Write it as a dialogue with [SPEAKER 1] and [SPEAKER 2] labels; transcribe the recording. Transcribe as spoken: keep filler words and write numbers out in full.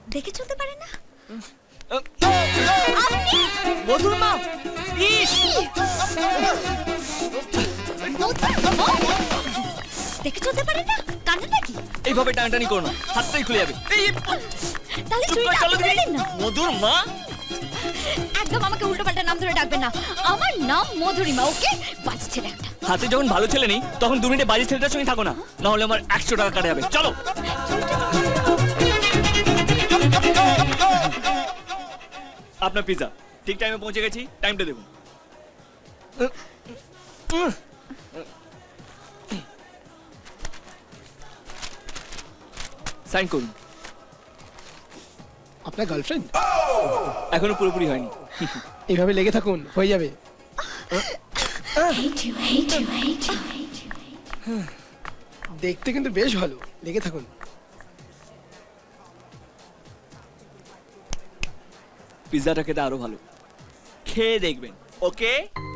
[SPEAKER 1] দেখে চলতে পারে না?
[SPEAKER 2] মধুর মা, ইস!
[SPEAKER 1] দেখে চলতে পারে না? কানে নাকি?
[SPEAKER 2] এইভাবে টানাটানি করো না, হাতটাই খুলে যাবে। এই,
[SPEAKER 1] তাহলে
[SPEAKER 2] চুপ
[SPEAKER 1] চুরিটা
[SPEAKER 2] করে চলো
[SPEAKER 1] আপনি করে
[SPEAKER 2] দেখি।
[SPEAKER 1] দিন না।
[SPEAKER 2] মধুর মা,
[SPEAKER 1] একদম আমাকে উল্টোপাল্টা নাম ধরে ডাকবেন না। আমার নাম মধুরিমা, ওকে? বাজে ছেলে একটা।
[SPEAKER 2] হাতে যখন ভালো ছেলে নেই তখন দু মিনিটে বাজে ছেলেটার সঙ্গে থাকো না, না হলে আমার একশো টাকা কাটা যাবে। চলো। আপনার পিজা ঠিক টাইমে পৌঁছে গেছি, টাইমটা দেখুন। সাইন করুন।
[SPEAKER 3] আপনার গার্লফ্রেন্ড?
[SPEAKER 2] এখনো পুরোপুরি হয়নি।
[SPEAKER 3] এইভাবে লেগে থাকুন, হয়ে যাবে। দেখতে কিন্তু বেশ ভালো, লেগে থাকুন।
[SPEAKER 2] পিৎজাটা খেতে আরো ভালো, খেয়ে দেখবেন। ওকে।